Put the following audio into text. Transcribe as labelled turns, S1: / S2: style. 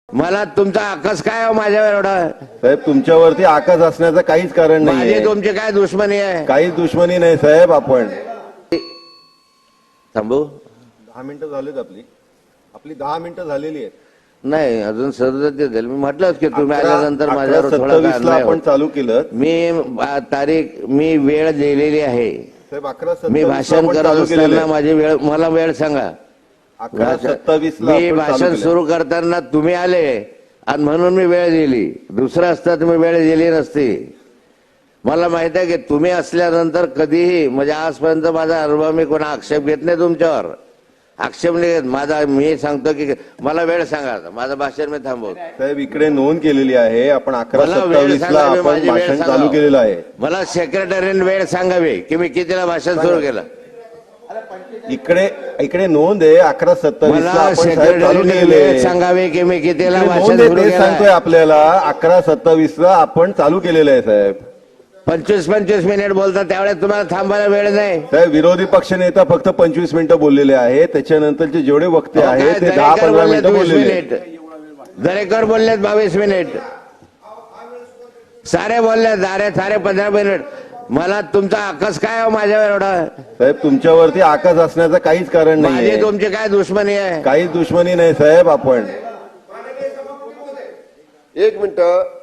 S1: मला तुमचा आकस काय हो माझ्यावर एवढा?
S2: साहेब तुमच्यावरती आकस असण्याचं काहीच कारण
S1: माझी
S2: नाही.
S1: तुमची काय दुश्मनी आहे?
S2: काहीच दुश्मनी नाही साहेब. आपण
S1: थांबू
S2: 10 मिनिटं झालीत. आपली 10 मिनिटं झालेली आहेत.
S1: नाही अजून सदस्य झाले. मी म्हटलंच की तुम्ही
S2: 11
S1: आल्यानंतर माझ्यावर थोडा
S2: 27 ला आपण चालू केलं.
S1: मी वेळ दिलेली आहे.
S2: साहेब 11:27
S1: मी भाषण करत असताना माझी वेळ मला वेळ सांगा.
S2: 11:27 ला
S1: मी
S2: आपण
S1: भाषण
S2: चालू
S1: सुरू करताना तुम्ही आले आणि म्हणून मी वेळ दिली. दुसरं असता तुम्ही वेळ दिली नसती. मला माहित आहे की तुम्ही असल्यानंतर कधीही म्हणजे आजपर्यंत माझा अनुभव मी कोणा आक्षेप घेत नाही तुमच्यावर. आक्षेप नाही घेत माझा. मी सांगतो की मला वेळ सांगा. माझं भाषण मी थांबवतो.
S2: साहेब इकडे नोंद केलेली आहे. आपण
S1: मला वेळ
S2: 11:27 ला
S1: सांगा.
S2: आपण
S1: माझी वेळ
S2: भाषण
S1: सांगा.
S2: चालू केलेलं आहे.
S1: मला सेक्रेटरीने वेळ सांगावी की मी कितीला भाषण सुरू केलं.
S2: इकडे नोंद आहे. 11:27 ला
S1: मला
S2: आपण साहेब चालू
S1: सेक्रेटरीने
S2: केलेले
S1: वेळ सांगावे की मी कितीला भाषण
S2: नोंद आहे.
S1: सुरू
S2: ते सांगतोय
S1: केलं.
S2: आपल्याला 11:27 ला आपण चालू केलेलं आहे साहेब.
S1: 25 मिनिट बोलता त्यावेळेस तुम्हाला थांबायला वेळ नाही.
S2: साहेब विरोधी पक्षनेता फक्त 25 मिनिटं बोललेले आहेत. त्याच्यानंतरचे जेवढे वक्ते आहेत ते 10-15 मिनिटं बोललेले.
S1: दरेकर बोललेत 22 मिनिट. सारे बोलले सारे 15 मिनिट. मला तुमचा आकस काय हो माझ्यावर एवढा?
S2: साहेब तुमच्यावरती आकस असण्याचं काहीच कारण
S1: माझी
S2: नाही.
S1: तुमची काय दुश्मनी आहे?
S2: काहीच दुश्मनी नाही साहेब. आपण
S3: 1 मिनिट.